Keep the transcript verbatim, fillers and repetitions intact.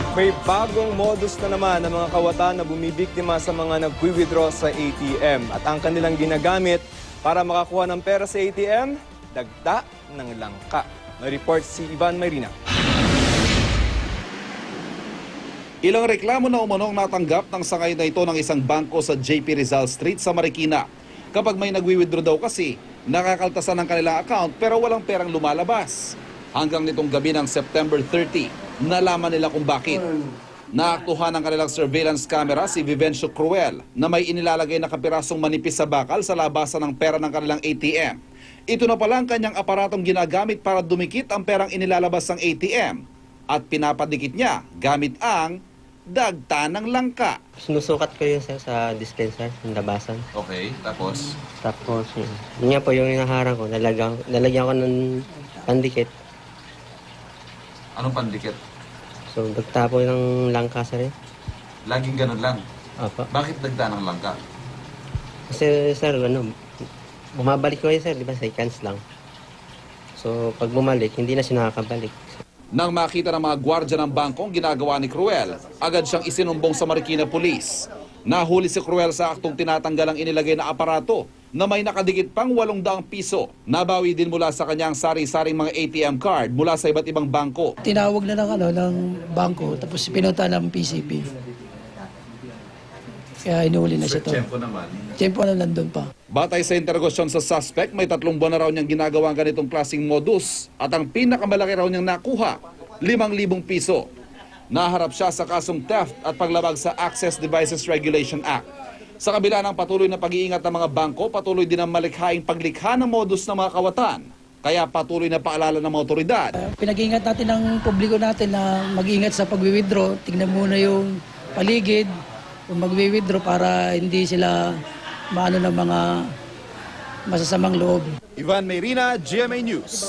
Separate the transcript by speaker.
Speaker 1: May bagong modus na naman ng mga kawatan na bumibiktima sa mga nagwi-withdraw sa A T M. At ang kanilang ginagamit para makakuha ng pera sa A T M, dagta ng langka. May report si Ivan Mayrina.
Speaker 2: Ilang reklamo na umanong natanggap ng sangay na ito ng isang bangko sa J P Rizal Street sa Marikina. Kapag may nagwi-withdraw daw kasi, nakakaltasan ng kanilang account pero walang perang lumalabas. Hanggang nitong gabi ng September thirty, nalaman nila kung bakit. Naaktuhan ng kanilang surveillance camera si Vivencio Cruel na may inilalagay na kapirasong manipis sa bakal sa labasan ng pera ng kanilang A T M. Ito na pala ang kanyang aparatong ginagamit para dumikit ang perang inilalabas ng A T M at pinapadikit niya gamit ang dagta ng langka.
Speaker 3: Sinusukat ko yun sir, sa dispenser, yung labasan.
Speaker 2: Okay, tapos?
Speaker 3: Tapos yun, yun nga po yung hinaharang ko, nalagyan, nalagyan ko ng pandikit.
Speaker 2: Anong pandikit?
Speaker 3: So dagta po ng langka sir.
Speaker 2: Laging ganun lang.
Speaker 3: Opo.
Speaker 2: Bakit dagta ng langka?
Speaker 3: Kasi sir, ano, bumabalik ko yun sir, di ba, seconds lang. So pag bumalik, hindi na siya nakakabalik.
Speaker 2: Nang makita ng mga gwardya ng bangko ang ginagawa ni Cruel, agad siyang isinumbong sa Marikina Police. Nahuli si Cruel sa aktong tinatanggal ang inilagay na aparato na may nakadikit pang walong daang piso. Nabawi din mula sa kanyang sari-saring mga A T M card mula sa iba't ibang bangko.
Speaker 4: Tinawag na ng, ano, ng bangko, tapos pinunta ng P C P. Kaya inuuli na siya to.
Speaker 2: Tiyempo naman.
Speaker 4: Tiyempo na nandun pa.
Speaker 2: Batay sa interrogasyon sa suspect, may tatlong buwan na raw niyang ginagawa ang ganitong klaseng modus at ang pinakamalaki raw niyang nakuha, limang libong piso. Naharap siya sa kasong theft at paglabag sa Access Devices Regulation Act. Sa kabila ng patuloy na pag-iingat ng mga bangko, patuloy din ang malikhaing paglikha ng modus ng mga kawatan. Kaya patuloy na paalala ng mga otoridad.
Speaker 4: Uh, pinag-iingat natin ng publiko natin na mag-iingat sa pag-withdraw. Tingnan muna yung paligid kung mag-withdraw para hindi sila maano ng mga masasamang loob.
Speaker 1: Ivan Mayrina, G M A News.